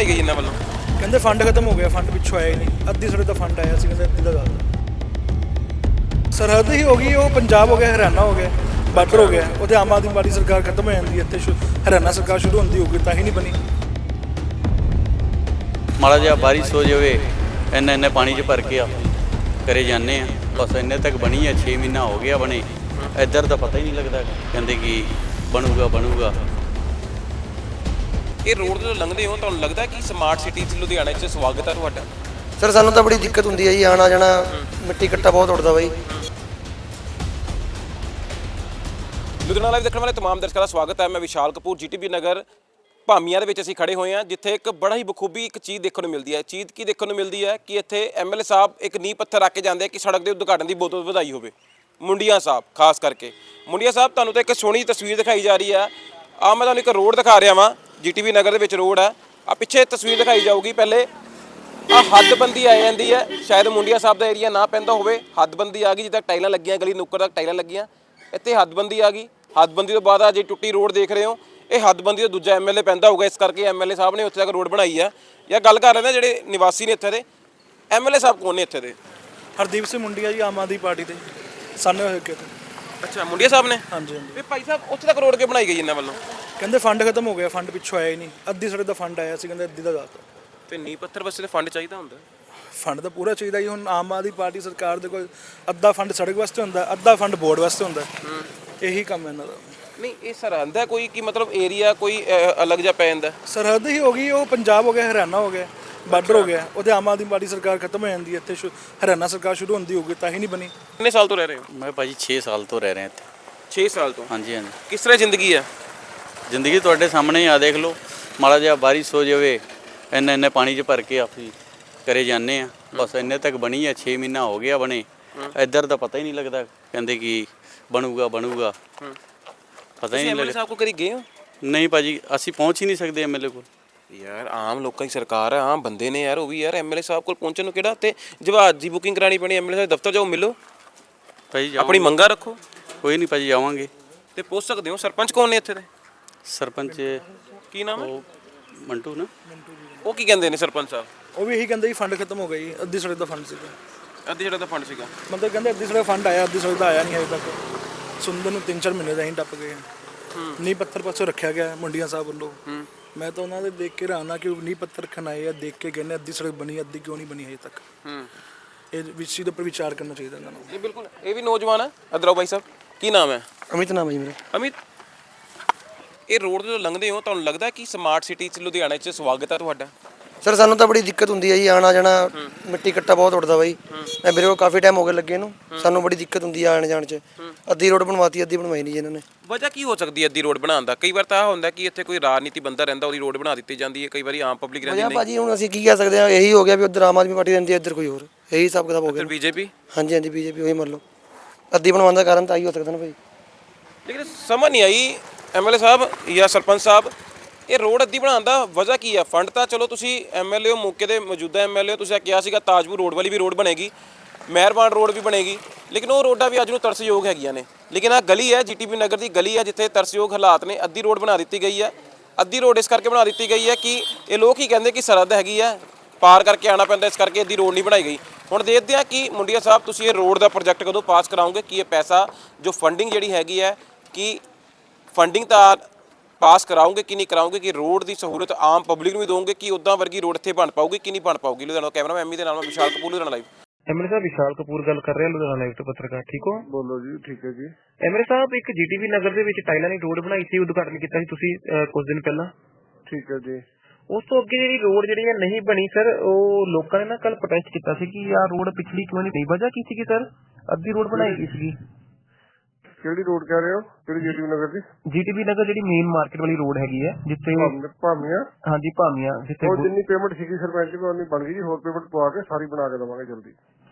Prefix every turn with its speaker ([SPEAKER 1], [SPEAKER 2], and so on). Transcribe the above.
[SPEAKER 1] ਬਣਾਈ ਗਈ ਇਹਨਾਂ ਵੱਲੋਂ?
[SPEAKER 2] ਕਹਿੰਦੇ ਫੰਡ ਖਤਮ ਹੋ ਗਿਆ, ਫੰਡ ਪਿੱਛੋਂ ਆਇਆ ਹੀ ਨਹੀਂ। ਅੱਧੀ ਸੜਕ ਦਾ ਫੰਡ ਆਇਆ ਸੀ, ਕਹਿੰਦੇ ਅੱਧੀ ਦਾ ਜ਼ਿਆਦਾ। ਸਰਹੱਦ ਹੀ ਹੋ ਗਈ, ਉਹ ਪੰਜਾਬ ਹੋ ਗਿਆ, ਹਰਿਆਣਾ ਹੋ ਗਿਆ, ਬਾਰਡਰ ਹੋ ਗਿਆ। ਉਹਦੇ ਆਮ ਆਦਮੀ ਪਾਰਟੀ ਸਰਕਾਰ ਖਤਮ ਹੋ ਜਾਂਦੀ ਹੈ, ਇੱਥੇ ਹਰਿਆਣਾ ਸਰਕਾਰ ਸ਼ੁਰੂ ਹੁੰਦੀ ਹੋਊਗੀ, ਤਾਂ ਹੀ ਨਹੀਂ ਬਣੀ।
[SPEAKER 3] ਮਾੜਾ ਜਿਹਾ ਬਾਰਿਸ਼ ਹੋ ਜਾਵੇ, ਇੰਨੇ ਪਾਣੀ 'ਚ ਭਰ ਕੇ ਆ ਕਰੇ ਜਾਂਦੇ ਆ। ਬਸ ਇੰਨੇ ਤੱਕ ਬਣੀ ਹੈ, 6 ਮਹੀਨਾ ਹੋ ਗਿਆ ਬਣੇ। ਇੱਧਰ ਤਾਂ ਪਤਾ ਹੀ ਨਹੀਂ ਲੱਗਦਾ, ਕਹਿੰਦੇ ਕਿ ਬਣੂਗਾ।
[SPEAKER 1] ਇਹ ਰੋਡ ਤੋਂ ਲੰਘਦੇ ਹੋ, ਤੁਹਾਨੂੰ ਲੱਗਦਾ ਕਿ ਸਮਾਰਟ ਸਿਟੀ 'ਚ ਲੁਧਿਆਣਾ 'ਚ ਸਵਾਗਤ ਹੈ ਤੁਹਾਡਾ?
[SPEAKER 4] ਸਰ ਸਾਨੂੰ ਤਾਂ ਬੜੀ ਦਿੱਕਤ ਹੁੰਦੀ ਹੈ ਜੀ, ਆਣਾ ਜਾਣਾ, ਮਿੱਟੀ ਕੱਟਾ ਬਹੁਤ ਉੱਡਦਾ ਬਾਈ।
[SPEAKER 1] ਲੁਧਿਆਣਾ ਲਾਈਵ ਦੇਖਣ ਵਾਲੇ ਤਮਾਮ ਦਰਸ਼ਕਾਂ ਦਾ ਸਵਾਗਤ ਹੈ। ਮੈਂ ਵਿਸ਼ਾਲ ਕਪੂਰ, ਜੀਟੀਬੀ ਨਗਰ ਭਾਮੀਆਂ ਦੇ ਵਿੱਚ ਅਸੀਂ ਖੜੇ ਹੋਏ ਹਾਂ, ਜਿੱਥੇ ਇੱਕ ਬੜਾ ਹੀ ਬਖੂਬੀ ਇੱਕ ਚੀਜ਼ ਦੇਖਣ ਨੂੰ ਮਿਲਦੀ ਹੈ। ਚੀਜ਼ ਕੀ ਦੇਖਣ ਨੂੰ ਮਿਲਦੀ ਹੈ ਕਿ ਇੱਥੇ ਐਮਐਲਏ ਸਾਹਿਬ ਇੱਕ ਨੀਂਹ ਪੱਥਰ ਰੱਖ ਕੇ ਜਾਂਦੇ ਆ ਕਿ ਸੜਕ ਦੇ ਉਦਘਾਟਨ ਦੀ ਬਹੁਤ ਵਧਾਈ ਹੋਵੇ। ਮੁੰਡੀਆਂ ਸਾਹਿਬ ਖਾਸ ਕਰਕੇ ਮੁੰਡੀਆਂ ਸਾਹਿਬ, ਤੁਹਾਨੂੰ ਤਾਂ ਇੱਕ ਸੋਹਣੀ ਤਸਵੀਰ ਦਿਖਾਈ ਜਾ ਰਹੀ ਹੈ। ਆ ਮੈਂ ਤੁਹਾਨੂੰ ਇੱਕ ਰੋਡ ਦਿਖਾ ਰਿਹਾ ਵਾਂ, ਜੀਟੀਬੀ ਨਗਰ ਦੇ ਵਿੱਚ ਰੋਡ ਹੈ। ਆ ਪਿੱਛੇ ਤਸਵੀਰ ਦਿਖਾਈ ਜਾਊਗੀ। ਪਹਿਲੇ ਆ ਹੱਦਬੰਦੀ ਆ ਜਾਂਦੀ ਹੈ, ਸ਼ਾਇਦ ਮੁੰਡੀਆਂ ਸਾਹਿਬ ਦਾ ਏਰੀਆ ਨਾ ਪੈਂਦਾ ਹੋਵੇ। ਹੱਦਬੰਦੀ ਆ ਗਈ, ਜਿੱਦਾਂ ਟਾਈਲਾਂ ਲੱਗੀਆਂ, ਗਲੀ ਨੁੱਕਰ ਤੱਕ ਟਾਈਲਾਂ ਲੱਗੀਆਂ, ਇੱਥੇ ਹੱਦਬੰਦੀ ਆ ਗਈ। ਹੱਦਬੰਦੀ ਤੋਂ ਬਾਅਦ ਆ ਜੇ ਟੁੱਟੀ ਰੋਡ ਦੇਖ ਰਹੇ ਹੋ, ਇਹ ਹੱਦਬੰਦੀ ਤੋਂ ਦੂਜਾ ਐਮਐਲਏ ਪੈਂਦਾ ਹੋਊਗਾ, ਇਸ ਕਰਕੇ ਐਮਐਲਏ ਸਾਹਿਬ ਨੇ ਉੱਥੇ ਤੱਕ ਰੋਡ ਬਣਾਈ ਆ। ਜਾਂ ਗੱਲ ਕਰ ਰਹੇ ਨੇ ਜਿਹੜੇ ਨਿਵਾਸੀ ਨੇ ਇੱਥੇ ਦੇ, ਐਮਐਲਏ ਸਾਹਿਬ ਕੌਣ ਨੇ ਇੱਥੇ ਦੇ?
[SPEAKER 2] ਹਰਦੀਪ ਸਿੰਘ ਮੁੰਡੀਆ ਜੀ, ਆਮ ਆਦਮੀ ਪਾਰਟੀ ਦੇ ਸਾਨੇ ਹੋਏ ਕਿ।
[SPEAKER 1] ਅੱਛਾ, ਮੁੰਡੀਆਂ ਸਾਹਿਬ ਨੇ।
[SPEAKER 2] ਹਾਂਜੀ।
[SPEAKER 1] ਵੀ ਭਾਈ ਸਾਹਿਬ, ਉੱਥੇ ਤੱਕ ਰੋਡ ਕਿਉਂ ਬਣਾਈ ਗਈ ਇਹਨਾਂ ਵੱਲੋਂ?
[SPEAKER 2] ਕਹਿੰਦੇ ਫੰਡ ਖਤਮ ਹੋ ਗਿਆ, ਫੰਡ ਪਿੱਛੋਂ ਆਇਆ ਹੀ ਨਹੀਂ। ਅੱਧੀ ਸੜਕ ਦਾ ਫੰਡ ਆਇਆ ਸੀ, ਕਹਿੰਦੇ ਅੱਧੀ ਦਾ ਜ਼ਿਆਦਾ।
[SPEAKER 1] ਤੇ ਨੀਂਹ ਪੱਥਰ ਵਾਸਤੇ ਫੰਡ ਚਾਹੀਦਾ ਹੁੰਦਾ?
[SPEAKER 2] ਫੰਡ ਤਾਂ ਪੂਰਾ ਚਾਹੀਦਾ ਜੀ। ਹੁਣ ਆਮ ਆਦਮੀ ਪਾਰਟੀ ਸਰਕਾਰ ਦੇ ਕੋਲ ਅੱਧਾ ਫੰਡ ਸੜਕ ਵਾਸਤੇ ਹੁੰਦਾ, ਅੱਧਾ ਫੰਡ ਬੋਰਡ ਵਾਸਤੇ ਹੁੰਦਾ। ਇਹੀ ਕੰਮ ਹੈ ਇਹਨਾਂ ਦਾ।
[SPEAKER 1] ਨਹੀਂ, ਇਹ ਸਰਹੱਦ ਹੈ ਕੋਈ, ਕਿ ਮਤਲਬ ਏਰੀਆ ਕੋਈ ਅਲੱਗ ਜਿਹਾ ਪੈ ਜਾਂਦਾ?
[SPEAKER 2] ਸਰਹੱਦ ਹੀ ਹੋ ਗਈ, ਉਹ ਪੰਜਾਬ ਹੋ ਗਿਆ, ਹਰਿਆਣਾ ਹੋ ਗਿਆ, ਬਾਰਡਰ ਹੋ ਗਿਆ। ਉਹਦੇ ਆਮ ਆਦਮੀ ਪਾਰਟੀ ਸਰਕਾਰ ਖਤਮ ਹੋ ਜਾਂਦੀ ਹੈ, ਇੱਥੇ ਹਰਿਆਣਾ ਸਰਕਾਰ ਸ਼ੁਰੂ ਹੁੰਦੀ ਹੋਊਗੀ, ਤਾਂ ਹੀ ਨਹੀਂ ਬਣੀ।
[SPEAKER 1] ਕਿੰਨੇ ਸਾਲ ਤੋਂ ਰਹਿ ਰਹੇ ਹੋ?
[SPEAKER 3] ਮੈਂ ਭਾਜੀ 6 ਸਾਲ ਤੋਂ ਰਹਿ ਰਿਹਾ ਇੱਥੇ।
[SPEAKER 1] 6 ਸਾਲ ਤੋਂ?
[SPEAKER 3] ਹਾਂਜੀ।
[SPEAKER 1] ਕਿਸ ਤਰ੍ਹਾਂ ਜ਼ਿੰਦਗੀ ਹੈ?
[SPEAKER 3] ਜ਼ਿੰਦਗੀ ਤੁਹਾਡੇ ਸਾਹਮਣੇ ਹੀ ਆ, ਦੇਖ ਲਓ। ਮਾੜਾ ਜਿਹਾ ਬਾਰਿਸ਼ ਹੋ ਜਾਵੇ, ਇੰਨੇ ਪਾਣੀ 'ਚ ਭਰ ਕੇ ਆਪੀ ਕਰੇ ਜਾਂਦੇ ਆ। ਬਸ ਇੰਨੇ ਤੱਕ ਬਣੀ ਹੈ, 6 ਮਹੀਨਾ ਹੋ ਗਿਆ ਬਣੇ। ਇੱਧਰ ਤਾਂ ਪਤਾ ਹੀ ਨਹੀਂ ਲੱਗਦਾ, ਕਹਿੰਦੇ ਕਿ ਬਣੂਗਾ। ਪਤਾ ਹੀ ਨਹੀਂ
[SPEAKER 1] ਐਮਐਲਏ ਸਾਹਿਬ ਕੋਲ ਕਦੀ ਗਏ ਹੋ?
[SPEAKER 3] ਨਹੀਂ ਭਾਜੀ, ਅਸੀਂ ਪਹੁੰਚ ਹੀ ਨਹੀਂ ਸਕਦੇ ਐਮਐਲਏ ਕੋਲ।
[SPEAKER 1] ਯਾਰ ਆਮ ਲੋਕਾਂ ਦੀ ਸਰਕਾਰ ਹੈ, ਆਮ ਬੰਦੇ ਨੇ ਯਾਰ, ਉਹ ਵੀ ਯਾਰ ਐਮਐਲਏ ਸਾਹਿਬ ਕੋਲ ਪਹੁੰਚਣ ਨੂੰ ਕਿਹੜਾ ਤੇ ਜਹਾਜ਼ ਦੀ ਬੁਕਿੰਗ ਕਰਾਣੀ ਪੈਣੀ? ਐਮਐਲਏ ਸਾਹਿਬ ਦਫ਼ਤਰ ਜਾਓ, ਮਿਲੋ,
[SPEAKER 3] ਭਾਜੀ
[SPEAKER 1] ਆਪਣੀ ਮੰਗਾਂ ਰੱਖੋ।
[SPEAKER 3] ਕੋਈ ਨਹੀਂ ਭਾਜੀ, ਆਵਾਂਗੇ।
[SPEAKER 1] ਤੇ ਪੁੱਛ ਸਕਦੇ ਹੋ ਸਰਪੰਚ ਕੌਣ ਨੇ ਇੱਥੇ ਦੇ?
[SPEAKER 3] ਸਰਪੰਚ
[SPEAKER 1] ਕੀ ਨਾਮ ਹੈ?
[SPEAKER 3] ਉਹ ਮੰਟੂ ਨਾ।
[SPEAKER 1] ਉਹ ਕੀ ਕਹਿੰਦੇ ਨੇ ਸਰਪੰਚ ਸਾਹਿਬ?
[SPEAKER 2] ਉਹ ਵੀ ਇਹੀ ਕਹਿੰਦੇ ਜੀ ਫੰਡ ਖਤਮ ਹੋ ਗਿਆ ਜੀ, ਅੱਧੀ ਸੜਕ ਦਾ ਫੰਡ ਸੀਗਾ।
[SPEAKER 1] ਅੱਧੀ ਜਿਹੜਾ ਦਾ ਫੰਡ ਸੀਗਾ,
[SPEAKER 2] ਮਤਲਬ ਕਹਿੰਦੇ ਅੱਧੀ ਸੜਕ ਫੰਡ ਆਇਆ, ਅੱਧੀ ਸੜਕ ਦਾ ਆਇਆ ਨਹੀਂ ਹਜੇ ਤੱਕ। ਸੁਣਦੇ ਨੂੰ 3-4 ਮਹੀਨੇ ਦਾ ਹੀ ਟੱਪ ਗਏ। ਨੀਂਹ ਪੱਥਰ ਪਾਸੋਂ ਰੱਖਿਆ ਗਿਆ ਮੁੰਡੀਆਂ ਸਾਹਿਬ ਵੱਲੋਂ। ਮੈਂ ਤਾਂ ਉਹਨਾਂ ਦੇ ਦੇਖ ਕੇ ਹੈਰਾਨ ਕਿ ਨੀਂਹ ਪੱਥਰ ਰੱਖਣ ਆਏ ਆ, ਦੇਖ ਕੇ ਕਹਿੰਦੇ ਅੱਧੀ ਸੜਕ ਬਣੀ, ਅੱਧੀ ਕਿਉਂ ਨਹੀਂ ਬਣੀ ਹਜੇ ਤੱਕ। ਇਹ ਵਿਸ਼ੇ ਦੇ ਉੱਪਰ ਵਿਚਾਰ ਕਰਨਾ ਚਾਹੀਦਾ ਇਹਨਾਂ ਨੂੰ।
[SPEAKER 1] ਨਹੀਂ ਬਿਲਕੁਲ, ਇਹ ਵੀ ਨੌਜਵਾਨ ਹੈ। ਅਦਰਾਓ ਭਾਈ ਸਾਹਿਬ, ਕੀ ਨਾਮ ਹੈ?
[SPEAKER 4] ਅਮਿਤ ਨਾਮ ਹੈ ਜੀ ਮੇਰਾ।
[SPEAKER 1] ਅਮਿਤ, ਇਹ ਰੋਡ ਤੋਂ ਲੰਘਦੇ ਹੋ, ਤੁਹਾਨੂੰ ਲੱਗਦਾ ਕਿ ਸਮਾਰਟ ਸਿਟੀ 'ਚ ਲੁਧਿਆਣਾ 'ਚ ਸਵਾਗਤ ਹੈ ਤੁਹਾਡਾ?
[SPEAKER 4] ਸਰ ਸਾਨੂੰ ਤਾਂ ਬੜੀ ਦਿੱਕਤ ਹੁੰਦੀ ਹੈ ਜੀ, ਆਣਾ ਜਾਣਾ, ਮਿੱਟੀ ਕੱਟਾ ਬਹੁਤ ਉੱਡਦਾ ਬਾਈ। ਮੈਂ ਮੇਰੇ ਕੋਲ ਕਾਫੀ ਟਾਈਮ ਹੋ ਗਿਆ ਲੱਗੇ ਨੂੰ, ਸਾਨੂੰ ਬੜੀ ਦਿੱਕਤ ਹੁੰਦੀ ਹੈ ਆਣ ਜਾਣ 'ਚ। ਅੱਧੀ ਰੋਡ ਬਣਵਾਤੀ, ਅੱਧੀ ਬਣਵਾਈ ਨਹੀਂ ਜੀ ਇਹਨਾਂ ਨੇ।
[SPEAKER 1] ਵਜ੍ਹਾ ਕੀ ਹੋ ਸਕਦੀ ਹੈ ਅੱਧੀ ਰੋਡ ਬਣਾਉਣ ਦਾ? ਕਈ ਵਾਰ ਤਾਂ ਹੁੰਦਾ ਕਿ ਇੱਥੇ ਕੋਈ ਰਾਜਨੀਤੀ ਬੰਦਾ ਰਹਿੰਦਾ, ਉਹਦੀ ਰੋਡ ਬਣਾ ਦਿੱਤੀ ਜਾਂਦੀ ਹੈ। ਕਈ ਵਾਰੀ ਆਮ ਪਬਲਿਕ ਰਹਿੰਦੀ ਨਹੀਂ।
[SPEAKER 4] ਭਾਜੀ ਹੁਣ ਅਸੀਂ ਕੀ ਕਹਿ ਸਕਦੇ ਹਾਂ, ਇਹੀ ਹੋ ਗਿਆ ਵੀ ਉੱਧਰ ਆਮ ਆਦਮੀ ਪਾਰਟੀ ਰਹਿੰਦੀ ਹੈ, ਇੱਧਰ ਕੋਈ ਹੋਰ। ਇਹੀ ਹਿਸਾਬ ਕਿਤਾਬ ਹੋ ਗਿਆ।
[SPEAKER 1] ਫਿਰ ਬੀਜੇਪੀ?
[SPEAKER 4] ਹਾਂਜੀ, ਬੀਜੇਪੀ ਉਹੀ ਮੰਨ ਲਓ। ਅੱਧੀ ਬਣਵਾਉਣ ਦਾ ਕਾਰਨ ਤਾਂ ਆਹੀ ਹੋ ਸਕਦਾ ਨਾ ਭਾਈ।
[SPEAKER 1] ਲੇਕਿਨ ਸਮਝ ਨਹੀਂ ਆਈ ਐਮਐਲਏ ਸਾਹਿਬ ਜਾਂ ਸਰਪੰਚ ਸਾਹਿਬ, ਇਹ ਰੋਡ ਅੱਧੀ ਬਣਾਉਣ ਦਾ ਵਜ੍ਹਾ ਕੀ ਹੈ? ਫੰਡ ਤਾਂ ਚਲੋ ਤੁਸੀਂ ਐਮਐਲਏ ਹੋ, ਮੌਕੇ ਦੇ ਮੌਜੂਦਾ ਐਮਐਲਏ ਹੋ, ਤੁਸੀਂ ਕਿਹਾ ਸੀਗਾ ਤਾਜਪੁਰ ਰੋਡ ਵਾਲੀ ਵੀ ਰੋਡ ਬਣੇਗੀ, ਮਿਹਰਬਾਨ ਰੋਡ ਵੀ ਬਣੇਗੀ, ਲੇਕਿਨ ਉਹ ਰੋਡਾਂ ਵੀ ਅੱਜ ਨੂੰ ਤਰਸਯੋਗ ਹੈਗੀਆਂ ਨੇ। ਲੇਕਿਨ ਆਹ ਗਲੀ ਹੈ, ਜੀਟੀਬੀ ਨਗਰ ਦੀ ਗਲੀ ਹੈ, ਜਿੱਥੇ ਤਰਸਯੋਗ ਹਾਲਾਤ ਨੇ। ਅੱਧੀ ਰੋਡ ਬਣਾ ਦਿੱਤੀ ਗਈ ਹੈ। ਅੱਧੀ ਰੋਡ ਇਸ ਕਰਕੇ ਬਣਾ ਦਿੱਤੀ ਗਈ ਹੈ ਕਿ ਇਹ ਲੋਕ ਹੀ ਕਹਿੰਦੇ ਕਿ ਸਰਹੱਦ ਹੈਗੀ ਹੈ, ਪਾਰ ਕਰਕੇ ਆਉਣਾ ਪੈਂਦਾ, ਇਸ ਕਰਕੇ ਅੱਧੀ ਰੋਡ ਨਹੀਂ ਬਣਾਈ ਗਈ। ਹੁਣ ਦੇਖਦੇ ਹਾਂ ਕਿ ਮੁੰਡੀਆਂ ਸਾਹਿਬ ਤੁਸੀਂ ਇਹ ਰੋਡ ਦਾ ਪ੍ਰੋਜੈਕਟ ਕਦੋਂ ਪਾਸ ਕਰਾਓਗੇ, ਕਿ ਇਹ ਪੈਸਾ ਜੋ ਫੰਡਿੰਗ ਜਿਹੜੀ ਹੈਗੀ ਹੈ, ਕਿ ਫੰਡਿੰਗ ਤਾਂ ਪਾਸ ਕਰਾਉਂਗੇ ਕਿ ਨਹੀਂ ਕਰਾਉਂਗੇ, ਕਿ ਰੋਡ ਦੀ ਸਹੂਲਤ ਆਮ ਪਬਲਿਕ ਨੂੰ ਵੀ ਦੋਗੇ, ਕਿ ਉੱਦਾਂ ਵਰਗੀ ਰੋਡ ਇੱਥੇ ਬਣ ਪਾਊਗੀ ਕਿ ਨਹੀਂ ਬਣ ਪਾਊਗੀ। ਲੁਧਿਆਣਾ ਕੈਮਰਾ ਐਮੀ ਦੇ ਨਾਲ ਮੈਂ ਵਿਸ਼ਾਲ ਕਪੂਰ, ਲੁਧਿਆਣਾ ਲਾਈਵ।
[SPEAKER 5] ਐਮਐਲਏ ਸਾਹਿਬ ਵਿਸ਼ਾਲ ਕਪੂਰ ਗੱਲ ਕਰ ਰਹੇ ਲੁਧਿਆਣਾ ਲਾਈਵ ਤੋਂ ਪੱਤਰਕਾਰ, ਠੀਕ ਹੋ?
[SPEAKER 6] ਬੋਲੋ ਜੀ। ਠੀਕ ਹੈ ਜੀ।
[SPEAKER 5] ਐਮਐਲਏ ਸਾਹਿਬ, ਇੱਕ ਜੀਟੀਬੀ ਨਗਰ ਦੇ ਵਿੱਚ ਟਾਈਲਾਂ ਦੀ ਰੋਡ ਬਣਾਈ ਸੀ, ਉਦਘਾਟਨ ਕੀਤਾ ਸੀ ਤੁਸੀਂ ਕੁਝ ਦਿਨ ਪਹਿਲਾਂ।
[SPEAKER 6] ਠੀਕ ਹੈ ਜੀ।
[SPEAKER 5] ਉਸ ਤੋਂ ਅੱਗੇ ਜਿਹੜੀ ਰੋਡ ਜਿਹੜੀ ਹੈ ਨਹੀਂ ਬਣੀ ਸਰ, ਉਹ ਲੋਕਾਂ ਨੇ ਨਾ ਕੱਲ ਪ੍ਰੋਟੈਸਟ ਕੀਤਾ ਸੀ ਕਿ ਆਹ ਰੋਡ ਪਿਛਲੀ ਕਿਉਂ ਨਹੀਂ? ਵਜ੍ਹਾ ਕੀ ਸੀਗੀ ਸਰ? ਅੱਧੀ ਰੋਡ ਬਣਾਈ ਗਈ ਸੀਗੀ।
[SPEAKER 6] ਕਿਹੜੀ ਰੋਡ ਕਹਿ ਰਹੇ ਹੋ? ਕਿਹੜੀ ਜੀਟੀਬੀ ਨਗਰ ਦੀ?
[SPEAKER 5] ਜੀਟੀਬੀ ਨਗਰ ਜਿਹੜੀ ਮੇਨ ਮਾਰਕੀਟ ਵਾਲੀ ਰੋਡ ਹੈਗੀ ਹੈ, ਜਿੱਥੇ
[SPEAKER 6] ਭਾਮੀਆਂ।
[SPEAKER 5] ਹਾਂਜੀ ਭਾਮੀਆਂ, ਜਿੱਥੇ
[SPEAKER 6] ਉਹ ਜਿੰਨੀ ਪੇਮੈਂਟ ਸੀਗੀ ਸਰਪੰਚ ਕੋਲ ਉਨੀ ਬਣ ਗਈ ਜੀ। ਹੋਰ ਪੇਮੈਂਟ ਪਵਾ ਕੇ ਸਾਰੀ ਬਣਾ ਕੇ ਦੇਵਾਂਗੇ ਜਲਦੀ।